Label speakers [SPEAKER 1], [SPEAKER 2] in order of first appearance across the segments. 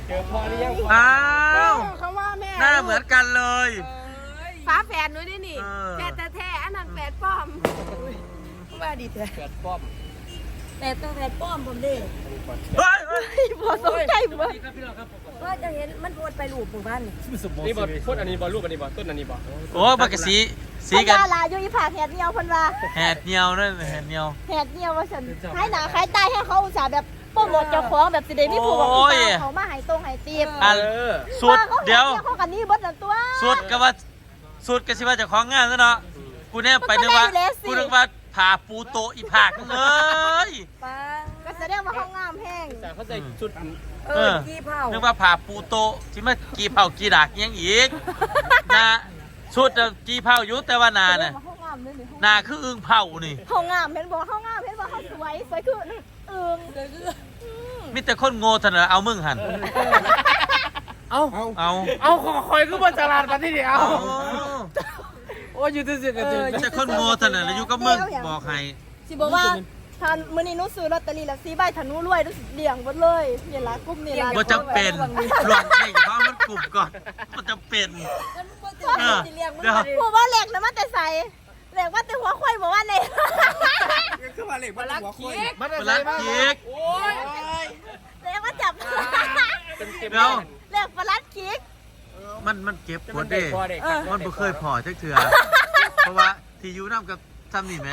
[SPEAKER 1] เจอพ่อหรือยัง
[SPEAKER 2] อ้าว
[SPEAKER 3] เขาว่าแม่
[SPEAKER 2] หน้าเหมือนกันเลย
[SPEAKER 3] ฟ้าแฝดด้วยนี่แฝดแท้ๆอันนั้นแฝดป้อมว่าดีแท้
[SPEAKER 1] เกิดป้อม
[SPEAKER 4] แต่ตัวแทนป้อมผมดิ
[SPEAKER 2] เฮ้ย
[SPEAKER 3] พอสนใจบ่
[SPEAKER 4] ว่าจะเห็นมันโพดไปลูกหมู่บ้านนี่
[SPEAKER 1] นี่บอลพูดอันนี้บอลรูปอันนี้บอลต้นอันนี้บอล
[SPEAKER 2] โอ้บักกะสีกัน
[SPEAKER 3] ลาอยู่อีผาแหดเนียวเพิ่นว่า
[SPEAKER 2] แหดเหนียวนั่นแหดเหนียว
[SPEAKER 3] แหดเนียวว่าฉันให้หนาคล้ายตายให้เขาอุตส่าห์แบบโปรโมทเจ้าของแบบสิได้มีผู้บอกเขามาให้ตรงให้ตีบ
[SPEAKER 2] อันสุดเดี๋ยว
[SPEAKER 3] เขากันนี่เบิดนั่นตัว
[SPEAKER 2] สุดก็ว่าสุดก็สิว่าเจะของงานซะเนาะกูแนบไปนึกว่ากูนึกว่าผ่าปูโตอีผากเลย
[SPEAKER 4] ป้า
[SPEAKER 3] ก็แสดงว่าเขางามแห้ง
[SPEAKER 1] แต่เขาใส่ชุด
[SPEAKER 4] กี่เผา
[SPEAKER 2] นึกว่าผ่าปูโตที่มากีเผากีดากยังอีกนาสุดกีเผาอยู่แต่ว่านาน่ะ
[SPEAKER 3] เขางามเลยนี่
[SPEAKER 2] นาคืออึ่งเผานี่
[SPEAKER 3] เขางามเห็นบอกเขางามเห็นบอกเขาสวยคือ
[SPEAKER 2] มีแต่คนโง่เท่านั้นเอามึงหัน
[SPEAKER 1] เอาคอยคือบัญชาการมาที่เดียวโอ้ยอยู่ที่เสียกันจริง
[SPEAKER 2] มีแต่คนโง่เท่านั้นแล้วอยู่กับมึงบอกให้
[SPEAKER 3] สิบอกว่าทานมื้อนี้หนูซื้อลอตเตอรี่ละ4ใบถ้าหนูรวยหนูสิเลี้ยงหมดเลยนี่ล่ะกลุ่มนี่ล่ะ
[SPEAKER 2] บ่จำเป็นหลวงเองเพราะมันกลุ่มก่อนมันจำเป็นเดี๋ยว
[SPEAKER 3] ผู้ว่าเหล็กนะมันแต่ใส่เหล็กว่าแต่หัวควายบอกว่าเหล็ก
[SPEAKER 1] คือมาเหล็กมาลักเค้ก
[SPEAKER 2] ปลาเค้ก
[SPEAKER 1] โอ้ย
[SPEAKER 3] เหล็กว่าจับ
[SPEAKER 2] เดี๋ยว
[SPEAKER 3] เหล็กปลาดคิก
[SPEAKER 2] มันเก็บกดเด้มันบ่เคยพอจักเทื่อเพราะว่าที่อยู่นำกับซ้ำนี่แหม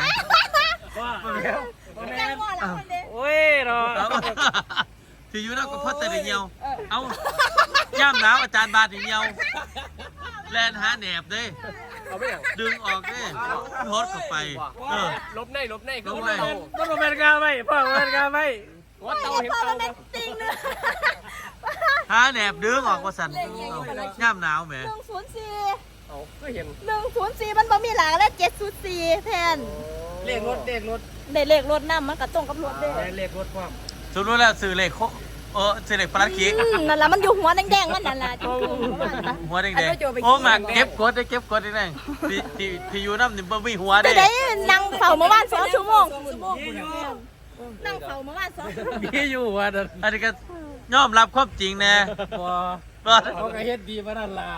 [SPEAKER 3] แกงอนแล้วคนเด้
[SPEAKER 1] โอ้ยรอ
[SPEAKER 2] ที่อยู่นำกับพ่อแต่เดียวเอาย่ำหนาวอาจารย์บาดเดียวแลนหาแหนบเด้
[SPEAKER 1] เอาไปอย่าง
[SPEAKER 2] ดึงออกเด้โพสเข้าไป
[SPEAKER 1] ลบใน
[SPEAKER 2] ลบใน
[SPEAKER 1] ก็ลบแมนกาไม่พ่อแมนกาไม่ว่าเตาเห็น
[SPEAKER 3] พ่อ
[SPEAKER 1] เตา
[SPEAKER 3] มันเป็นติงเนื้อ
[SPEAKER 2] หาแหนบดึงออกว่าสั่นย่ำหนาวแหม
[SPEAKER 3] 104
[SPEAKER 1] เอาก็เห็น
[SPEAKER 3] 104มันบ่มีหลากแล้ว704แทน
[SPEAKER 1] เลขรถ
[SPEAKER 3] ได้เลขรถนำมันก็ตรงกับรถเด้
[SPEAKER 1] เลขรถความ
[SPEAKER 2] สมมุติแล้วซื้อเลขซื้อเลขปลาเค้ก
[SPEAKER 3] นั่นล่ะมันอยู่หัวแดงๆมันนั่นล่ะจุ๊บ
[SPEAKER 2] หัวแดงๆโอ้มาเก็บกดได้เก็บกดได้ที่อยู่น้ำนี่บ่มีหัว
[SPEAKER 3] ๆ
[SPEAKER 2] ได้
[SPEAKER 3] ได้นั่งเฝ้าเมื่อวาน2ชั่วโมงนั่งเฝ้าเมื่อวาน2ชั่วโมง
[SPEAKER 1] มีอยู่ว่า
[SPEAKER 2] อันนี้ก็ยอมรับความจริงแน่
[SPEAKER 1] เขาก็เฮ็ดดีมานั่นล่ะ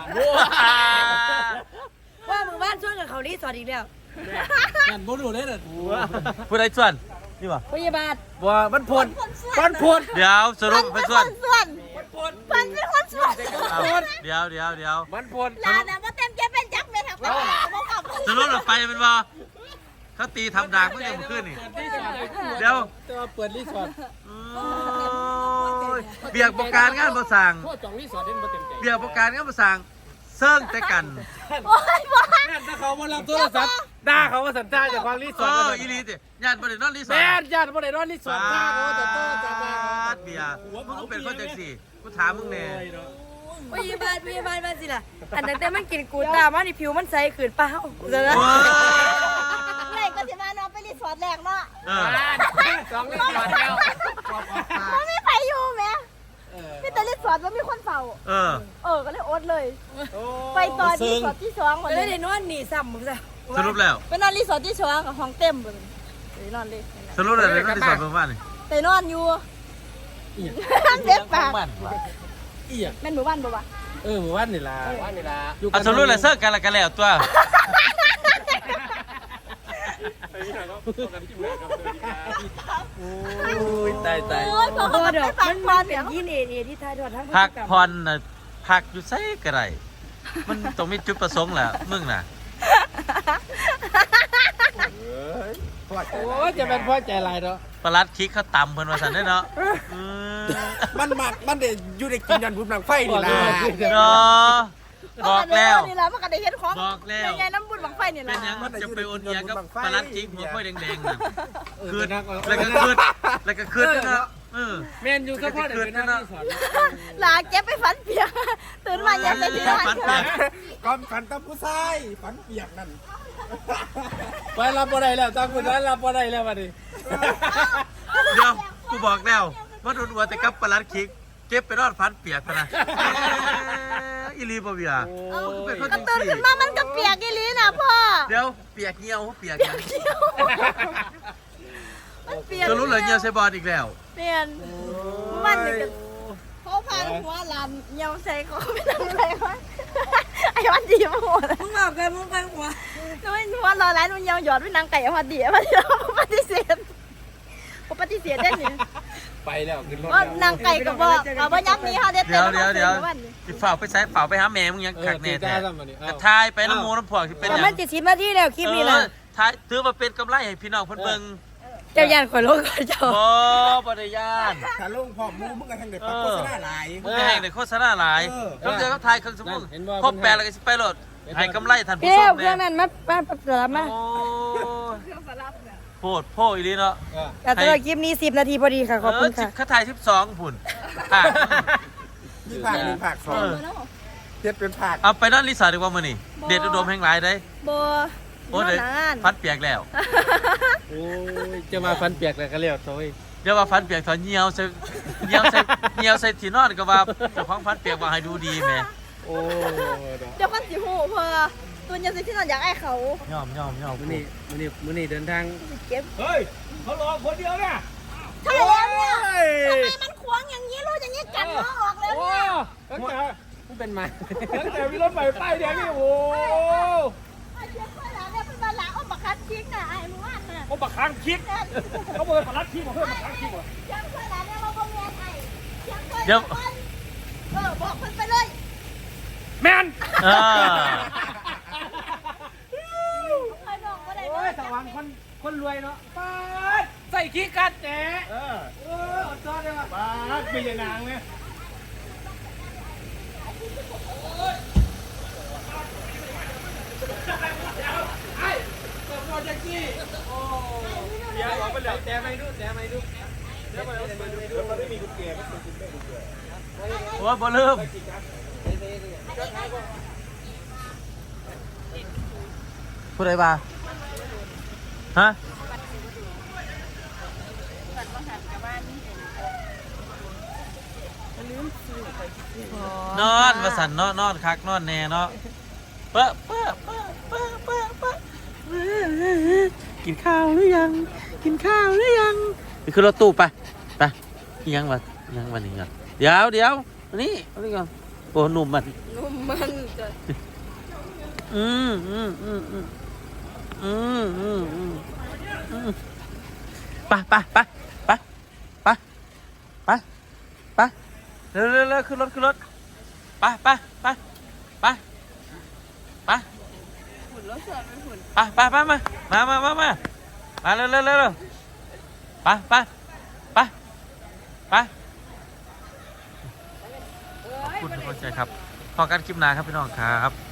[SPEAKER 4] ว่าหมู่บ้านช่วยกับเขารีสอร์ทอีกแล้ว
[SPEAKER 1] นั่นบ่รู้เลยน่ะ
[SPEAKER 2] ผู้ใดส่วนนี่วะ
[SPEAKER 4] พยาบาล
[SPEAKER 1] ว่ามันพ่น
[SPEAKER 2] เดี๋ยวสรุปเป็นส่วน
[SPEAKER 3] มันเป็นคนส่วน
[SPEAKER 2] เดี๋ยว
[SPEAKER 1] มันพ่น
[SPEAKER 3] ลานะว่าเต็มใจเป็นจักเม็ดครับบ่กลับ
[SPEAKER 2] สรุปเราไปเป็นบ่เขาตีทำดากเมื่อยังขึ้นนี่เดี๋ยว
[SPEAKER 1] ตัวเปิดรีสอร์ท
[SPEAKER 2] เบียกประการงานประสั่ง
[SPEAKER 1] พ่อจองรีสอร์ทนี่มันเต็มใจ
[SPEAKER 2] เบียกประการงานประสั่งเซิ่งแต่กัน
[SPEAKER 3] โอ้ยบ่
[SPEAKER 1] ถ้าเขามารับโทรศัพท์ด่าเขาว่าสัญชาติจากความรีสอร์ท
[SPEAKER 2] อีลีติญาติบ่ได้นอนรีสอ
[SPEAKER 1] แม่
[SPEAKER 2] ร์ท
[SPEAKER 1] ญาติบ่ได้นอนรีสอร์ทด่าเขาว่าจะโทษจะมา
[SPEAKER 2] เบียร์มึงก็เป็นคนจังสี่กูถามมึงแน่
[SPEAKER 4] พยาบาลมาสิล่ะอันนั้นแต่มันกินกูตามันนี่ผิวมันใสขึ้นเปล่าเดี๋ยวนะ
[SPEAKER 3] ไหนก็สิมานอนไปรีสอร์ทแรกเนาะ
[SPEAKER 1] สองรีสอร์ทแล้ว
[SPEAKER 3] มันไม่ไปอยู่แม่มีแต่รีสอร์ทว่ามีคนเฝ้าก็เลยอดเลย ไปตอนรีสอร์ทที่2วัน
[SPEAKER 4] เลย
[SPEAKER 3] นี้
[SPEAKER 4] ได้นอนหนีซ้ำมึงซะ
[SPEAKER 2] สรุปแล้ว
[SPEAKER 3] ไปนอนรีสอร์ทที่2กับห้องเต็มเลยไปนอนเลย
[SPEAKER 2] สรุปแล้วเลยนอนรีสอร์ทเมื่อวานนี่
[SPEAKER 3] ไปนอนอยู่เจ็บปาก
[SPEAKER 1] อีอ่ะ
[SPEAKER 3] แม่นหมู่บ้านบ่วะ
[SPEAKER 1] หมู่บ้านนี่ล่ะอยู่
[SPEAKER 2] สรุปแล้วเซิร์ฟกันแล้วตัว
[SPEAKER 1] ตาย
[SPEAKER 3] โอ้ยพอ
[SPEAKER 4] พอ
[SPEAKER 3] เขา
[SPEAKER 4] เดี๋ยว
[SPEAKER 3] ไปฟัง
[SPEAKER 4] มัน
[SPEAKER 3] พอ
[SPEAKER 4] เป็
[SPEAKER 3] เดี๋ย
[SPEAKER 4] น
[SPEAKER 3] ว
[SPEAKER 4] ยินเอที่ทายทอดทั้ง
[SPEAKER 2] พักผ่อนน่ะพักอยู่ไสก็ได้มันต้องมีจุดประสงค์แหละมึงน่ะ
[SPEAKER 1] โอ้จะเป็นพ่อใจลายเนาะ
[SPEAKER 2] ปลัดคิกเขาต่ำเพิ่นว่าซั่นเด้อเนาะ
[SPEAKER 1] มันเด็อยู่ในกินยันบุญหนังไฟนี่ล่ะ
[SPEAKER 2] เนาะบอกแล้ว
[SPEAKER 3] นี่แหละมันก็ได้เห็นของ
[SPEAKER 2] บอกแล้ว
[SPEAKER 3] ใหญ่ๆน้ำบุญบังไฟนี่แห
[SPEAKER 2] เป็
[SPEAKER 3] ละ
[SPEAKER 2] นหยังมันจะไปโอนเอียกับปลัดคิกหัวค่อยแดงๆน่ะคืนแล้วก็คืนเนาะ
[SPEAKER 1] แมนอยู่ก็พ่อเด็กเป็นหน้าที่สอน
[SPEAKER 3] หลาเก็บไปฝันเปียกตื่นมายังไปที่บ้าน
[SPEAKER 1] ก้อนฝันตะผู้ชายฝันเปียกนั่นไปรับบ่ได้แล้วตาคุณนั้นรับบ่ได้แล้วบัดนี้
[SPEAKER 2] เดี๋ยวกูบอกแล้วว่าโดนอัวแต่กับปลัดคิกเก็บไปรอดฟันเปียกนะอีลีบ่เบียเป็นคน
[SPEAKER 3] ก็
[SPEAKER 2] จัง
[SPEAKER 3] ตื่น
[SPEAKER 2] ซี่
[SPEAKER 3] ขึ้นมามันก็เปียกอีหลีนะพ่อ
[SPEAKER 2] เดี๋ยวเปียกเหี่ยวเปียกหยัง
[SPEAKER 3] มันเปียก
[SPEAKER 2] จะรู้เลยเหี่ยวใส่บอลอีกแล้ว
[SPEAKER 3] เปลี่ยนมันนี่ก็เขาพพานหัวลานเหี่ยวใส่เขาไม่ทำอะไรวะไอ้วันดีมาหมด
[SPEAKER 4] มึงบอกกันมึงไปหัว
[SPEAKER 3] หนูหัวรอร้านมันเหี่ยวหยอดไว้นางไก่พอดีพอดีเราปฏิเสธปฏิเสธได้หนิ
[SPEAKER 1] ไปแล้วขึ้นรถ
[SPEAKER 3] ว่านางไก่ก็บอกว่าย้ำนี้ค่ะเด็ด
[SPEAKER 2] เดี๋ยวสิฝ่าไปใช้ฝ่าไปหาแม่มึงยังขักแน่แท้กระทายไปน้ำมูน้ำพวกที่เป็น
[SPEAKER 4] แต่
[SPEAKER 2] อย่าง
[SPEAKER 4] มันจะ10 นาทีแล้วคลิปนี้นะ
[SPEAKER 2] ท้ายถือมาเป็นกำไรให้พี่น้องเพิ่นเบิ่ง
[SPEAKER 4] เจ้าย่านข่อยลงก่อนเจ้า
[SPEAKER 2] บ่ได้ย่าน
[SPEAKER 1] ถ้าลงพร้อมมูมึงก็ทางเด็กปักโฆษณาหลาย
[SPEAKER 2] มึงจะแห่งในโฆษณาหลายต้องเจอกับทายเครื่องสมมุติครบ8แล้วก็สิไปโหลดให้กำไรท่านผู้
[SPEAKER 4] เปี้
[SPEAKER 2] ช
[SPEAKER 4] ยว
[SPEAKER 2] ม
[SPEAKER 4] เครื่อง
[SPEAKER 2] แน่
[SPEAKER 4] นั้นมาสลับมา
[SPEAKER 2] โอ้โพดโพอีหลีเนาะ
[SPEAKER 4] แต่สำหรับคลิปนี้10 นาทีพอดีค่ะขอบคุณค่ะ
[SPEAKER 2] ข้าถ่าย12พุ่นอ่ะ
[SPEAKER 1] มีผักหนึ่งผักสองเทียบเป็นผัก
[SPEAKER 2] เอาไปนั่นรีสอร์ทดีกว่ามื้อนี้เด็ดอุดมแห่งหลายได้
[SPEAKER 3] โบ
[SPEAKER 2] โอ้เด้ฟันเปียกแล้ว
[SPEAKER 1] โอ้ยจะมาฟันเปียกเลยก็เรียกโซ่ย
[SPEAKER 2] เดี๋ยวว่าฟันเปียกถอนเหี่ยวใส่ที่นอนก็ว่าเจ้าของฟันเปียกว่าให้ดูดีแหม
[SPEAKER 1] โอ้
[SPEAKER 3] เดี๋ยวคนสิหูเพอตัวยังสิที่นอนอยากไอ้เขา
[SPEAKER 2] ย่อม
[SPEAKER 1] มื้อนี้เดินทาง
[SPEAKER 3] เก็บ
[SPEAKER 1] เฮ้ยเขารอคนเดียวเนี่ย
[SPEAKER 3] ใช่แล้วเนี่ยทำไมมันขวางอย่างนี้รู้อย่างนี้กันน้องออกแล้วเนี่ย
[SPEAKER 1] ตั้งแต่มันเป็นมาตั้งแต่มีรถไฟป้ายแดงนี่โอ้
[SPEAKER 3] ไอ้เช็คไปแล้วเนี่ยเป็นมาล้างอ้อมบักคัดทิ้งน่ะไอ้หมู่บ้านน่ะ
[SPEAKER 1] เขาบักค้างคิดเขาบอกว่ารัดคิดบอกเพื่อนบักค้างคิดว่ะ
[SPEAKER 3] เช็คไปแล้วเนี่ยเราก็เมียไทยเช็คไป
[SPEAKER 2] เดี๋ยว
[SPEAKER 3] บอกคนไปเลย
[SPEAKER 1] แมน
[SPEAKER 2] อ่า
[SPEAKER 3] ใครบอกก็ได้
[SPEAKER 1] โอ้ยสว่างคนรวยเนาะป้าใส่ขี้กัดแหนอดจอดเลยว่ะป้าเป็นยังนางเนี่ยเดี๋ยวไปเหลือแต่ไม่ดูเดี๋ยวมันไม่มีกุญแจมันเป็นกุญแจ
[SPEAKER 2] โอ้ยบ่ลืมพูดอะไรบ้าฮะนอนมาสั่นเนาะนอนคักนอนแน่เนาะเป๊ะกินข้าวหรือยังกินข้าวหรือยังไปขึ้นรถตู้ไปยังวะนี่ก่อนเดี๋ยวอันนี้ก่อนโอ้หนุ่มมัน
[SPEAKER 4] นุ่มมันจะ
[SPEAKER 2] ไปเร็วขึ้นรถไป
[SPEAKER 4] หุ่นรถเสือเป็นหุ่น
[SPEAKER 2] มาเร็วไปขอบคุณทุกคนใจครับพอกันคลิปหน้าครับพี่น้องครับ